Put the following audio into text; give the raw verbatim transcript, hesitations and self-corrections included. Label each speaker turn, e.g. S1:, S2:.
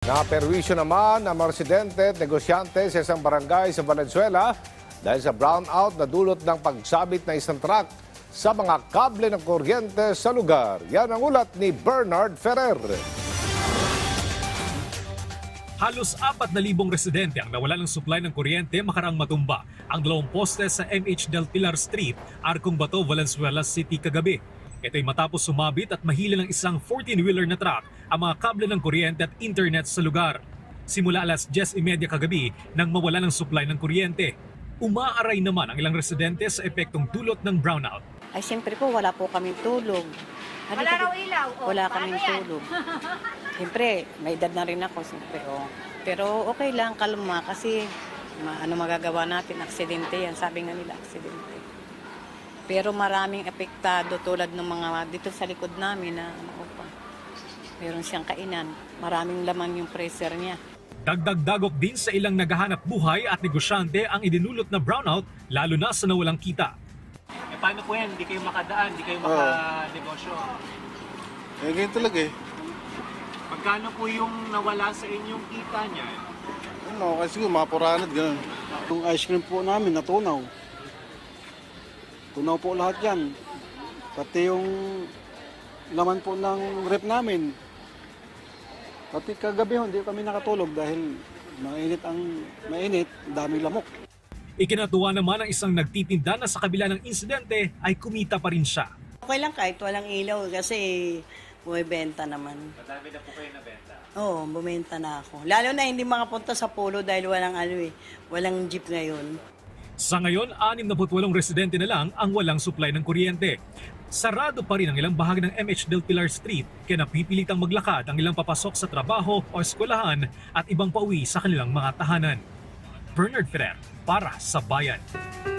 S1: Naperwisyo naman ang mga residente at negosyante sa isang barangay sa Valenzuela dahil sa brownout na dulot ng pagsabit na isang truck sa mga kable ng kuryente sa lugar. Yan ang ulat ni Bernard Ferrer.
S2: Halos apat na libong residente ang nawala ng supply ng kuryente makarang matumba ang dalawang poste sa M H Del Pilar Street, Arcong Bato, Valenzuela City kagabi. Ito'y matapos sumabit at mahila ng isang fourteen-wheeler na truck ang mga kable ng kuryente at internet sa lugar. Simula alas diyes trenta kagabi nang mawala ng supply ng kuryente. Umaaray naman ang ilang residente sa epektong dulot ng brownout.
S3: Ay, siyempre po, wala po kaming tulog. Ano
S4: Wala
S3: po-
S4: raw ilaw. O,
S3: Wala
S4: paano
S3: kaming
S4: yan?
S3: tulog. Siyempre, may edad na rin ako, siyempre. Oh. Pero okay lang, kalma, kasi ma ano magagawa natin, aksidente yan. Sabi nga nila, aksidente. Pero maraming epektado tulad ng mga dito sa likod namin na ano pa. Meron siyang kainan. Maraming laman yung freezer niya.
S2: Dagdag-dagok din sa ilang naghahanap buhay at negosyante ang idinulot na brownout lalo na sa nawalang kita.
S5: Eh, paano po yan? Hindi kayo makadaan, hindi kayo makanegosyo.
S6: Eh, ganyan talaga eh.
S5: Magkano po yung nawala sa inyong kita niya?
S6: Ano, kasi siguro mapuranad, ganun.
S7: Yung ice cream po namin natunaw. Tunaw po lahat yan. Pati yung laman po ng rep namin. Pati kagabi ho, hindi kami nakatulog dahil mainit ang mainit, daming lamok.
S2: Ikinatuwa naman ang isang nagtitinda na sa kabila ng insidente ay kumita pa rin siya.
S8: Okay lang kahit walang ilaw kasi bumibenta naman.
S5: Madami na po kayo nabenta.
S8: Oo, bumenta na ako. Lalo na hindi makapunta sa polo dahil walang ano eh, walang jeep ngayon.
S2: Sa ngayon, anim na putwalong residente na lang ang walang supply ng kuryente. Sarado pa rin ang ilang bahagi ng M H Del Pilar Street kaya napipilitang maglakad ang ilang papasok sa trabaho o eskwelahan at ibang pauwi sa kanilang mga tahanan. Bernard Ferrer para sa Bayan.